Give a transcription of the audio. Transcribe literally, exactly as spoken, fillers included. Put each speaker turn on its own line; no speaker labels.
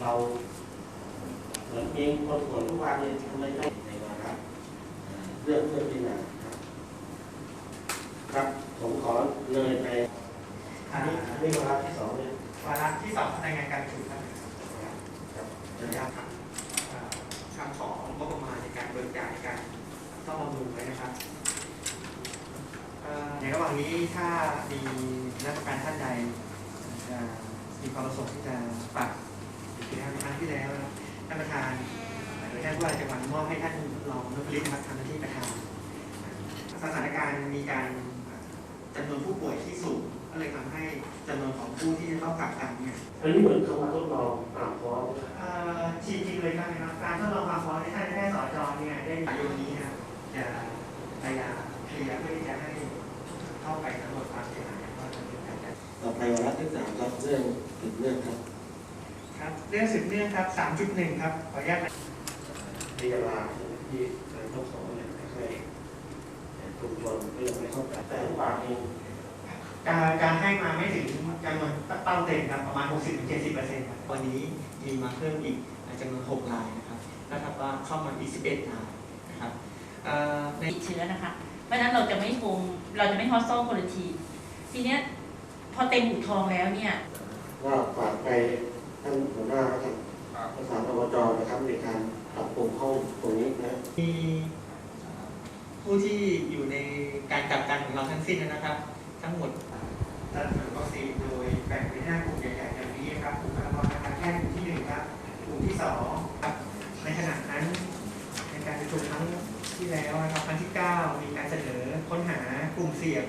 เราเหมือนเองคนส่วนทุกวันเนี่ยทำไมไม่ในวาระเรื่องเพื่อนพิจารณาครับครับผมขอเลยไปอันนี้อันนี้วาระที่สองเนี่ยว
าระที่สองรายงานการประชุมครับ
ครับจะ
นะ
ได้
ครับคำของงบประมาณในการเบิกจ่ายการซ่อมบำรุงไว้นะครับในระหว่างนี้ถ้ามีราชการท่านใดจะมีความประสงค์ที่จะฝากกิจกรรมครั้งที่แล้วนะท่านประธานโดยท่านผู้ว่าราชการมอบให้ท่านรองนพลิตนะครับทำหน้าที่ประธานสถานการณ์มีการจำนวนผู้ป่วยที่สูงก็เลยทำให้จำนวนของผู้ที่จะต้องกักกันเนี่ย
อันนี้เหมือนเขามาทดลองตามฟอร์ม
จริงๆเลยนะครับการทดลองความพร้อมในท่านแพทย์สจเนี่ยได้ในวันนี้นะครับจะพยายามเคลียร์เพื่อที่จะให้เข้าไปสำรวจความเสียหายว่าจะเป็นการจัด
ต่อไปวาระที่สามครับเรื่องติดเรื่องครับ
ครับเรื่องสืบเนื่องครับ สามจุดหนึ่ง ครับขออนุญาต
พยาบาลที่นายกสอนเนี่ยไม่ค่อยกลุ่มชนก็ยังไม่เข้าใจแต่ทุกบาทเอง
การการให้มาไม่ถึงจำนวนเป้าเต็มครับประมาณ หกสิบถึงเจ็ดสิบเปอร์เซ็นต์ ครับวันนี้มีมาเพิ่มอีกจำนวนหกรายนะครับนะครับว่าเข้ามาอีกสิบเอ็ดรายนะครับใน
ติดเชื้อนะคะเพราะฉะนั้นเราจะไม่คงเราจะไม่ฮอสโซโคลทีทีเนี้ยพอเต็มหูทองแล้วเนี่ย
ว่าฝากไปท่านหัวหน้าครับประสานอบจนะครับในการปรับปรุงห้องตรงนี้นะ
มีผู้ที่อยู่ในการกักกันของเราทั้งสิ้นนะครับ ทั้งหมดจัดสรรวัคซีนโดยแบ่งเป็นห้ากลุ่มใหญ่ๆอย่างนี้ครับกลุ่มบุคลากรทางการแพทย์กลุ่มที่หนึ่งครับกลุ่มที่สองครับในขณะนั้นในการประชุมครั้งที่แล้วนะครับครั้งที่เก้ามีการเสนอค้นหากลุ่มเสี่ยง